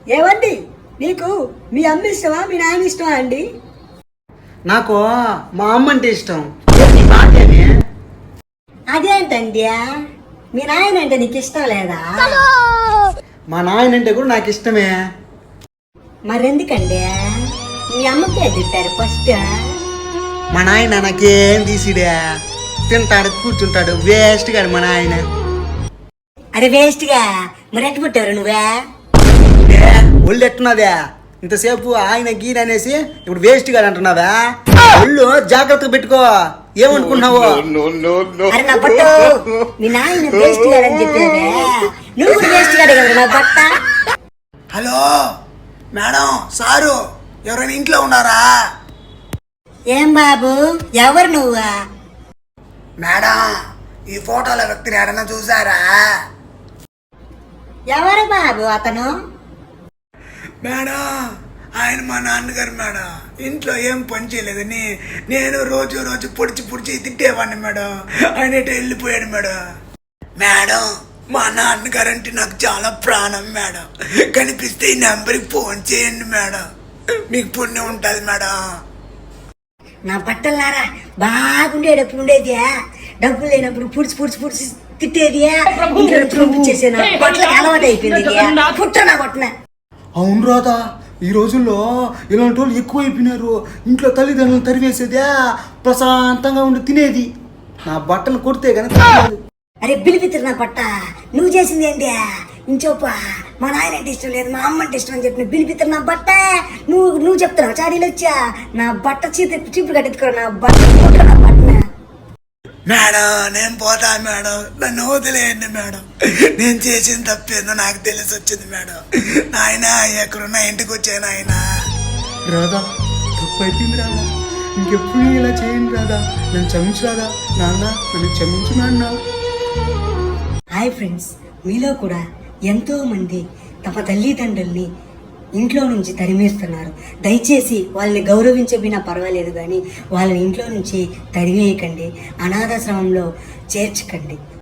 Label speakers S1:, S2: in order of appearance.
S1: ఏవండి, నీకు మీ అమ్మ ఇష్టమా మీ నాయన ఇష్టమా అండి?
S2: నాకు మా అమ్మ అంటే ఇష్టం. నీ బాధేమి?
S1: అదేంటండి, మీ నాయన అంటే నీకు ఇష్టం లేదా?
S2: మా నాయన అంటే కూడా నాకు ఇష్టమే.
S1: మరెందుకండి మీ అమ్మకే తిట్టారు ఫస్ట్?
S2: మా నాయన నాకేం తీసిడే, తింటాడు కూర్చుంటాడు, వేస్ట్ గాడు మా నాయన.
S1: అరే వేస్ట్ గా మరి ఎట్టు పుట్టారు నువ్వే?
S2: ఒళ్ళు ఎట్టున్నదే ఇంతసేపు ఆయన గీన అనేసి ఇప్పుడు వేస్ట్ గాడు అంటున్నావా? ఒళ్ళు జాగ్రత్తగా పెట్టుకో. ఏమనుకున్నావు?
S1: అరే నా బట్ట, మీ నాయన వేస్ట్ గాడని చెప్పావే, నువ్వు కూడా వేస్ట్ గాడే కదా నా బట్ట.
S2: హలో మేడం, సారు ఎవరైనా ఇంట్లో ఉన్నారా?
S1: ఏం బాబు, ఎవరు నువ్వా?
S2: మేడం, ఈ ఫోటోల వ్యక్తిని ఎడన్నా చూసారా?
S1: ఎవరు బాబు అతను?
S2: మేడం, ఆయన మా నాన్నగారు మేడం. ఇంట్లో ఏం పని చేయలేదని నేను రోజు రోజు పొడిచి తిట్టేవాడిని మేడం. ఆయన ఎటో వెళ్ళిపోయాడు మేడం. మేడం, మా నాన్నగారు అంటే నాకు చాలా ప్రాణం మేడం. కనిపిస్తే ఈ నెంబర్కి ఫోన్ చేయండి మేడం, మీకు పుణ్యం ఉంటుంది మేడం.
S1: నా బట్టలారా బాగుండేటప్పుడు ఉండేది, డబ్బులు లేనప్పుడు పుడిచి తిట్టేది, పంపించేసే నా బట్టలకు అలవాటు అయిపోయింది. పుట్ట నా కొట్టిన.
S2: అవును రాదా, ఈ రోజుల్లో ఇలాంటి వాళ్ళు ఎక్కువ అయిపోయినారు. ఇంట్లో తల్లిదండ్రులు తరివేసేదే, ప్రశాంతంగా ఉండి తినేది. నా బట్టలు కొడితే కనుక.
S1: అరే బిలిపిత్ర నా పట్ట, నువ్వు చేసింది ఏంటి? ఇంచోప మా నాయన అంటే ఇష్టం లేదు, మా అమ్మ అంటే ఇష్టం అని చెప్పిన బిలిపిత్ర నా బట్ట. నువ్వు చెప్తున్నావు చాడీలు వచ్చా? నా బట్ట చీపురు కట్టెత్తుకో, నా బట్ట నా బట్టన.
S2: మేడం, నేను పోతా మేడం, నన్ను వదిలేయండి మేడం. నేను చేసిన తప్పేందో నాకు తెలిసి వచ్చింది మేడం. నాయన ఎక్కడున్నా ఇంటికి వచ్చాను ఆయన. రాదా, తప్పు అయిపోయింది రాదా, ఇంకెప్పుడు ఇలా చేయండి రాదా, నన్ను క్షమించు రాదా. నాన్న నన్ను క్షమించు నాన్న.
S1: హాయ్ ఫ్రెండ్స్, మీలో కూడా ఎంతో మంది తమ తల్లిదండ్రుల్ని ఇంట్లో నుంచి తరిమేస్తున్నారు. దయచేసి వాళ్ళని గౌరవించబినా పర్వాలేదు, కానీ వాళ్ళని ఇంట్లో నుంచి తరివేయకండి, అనాథాశ్రమంలో చేర్చకండి.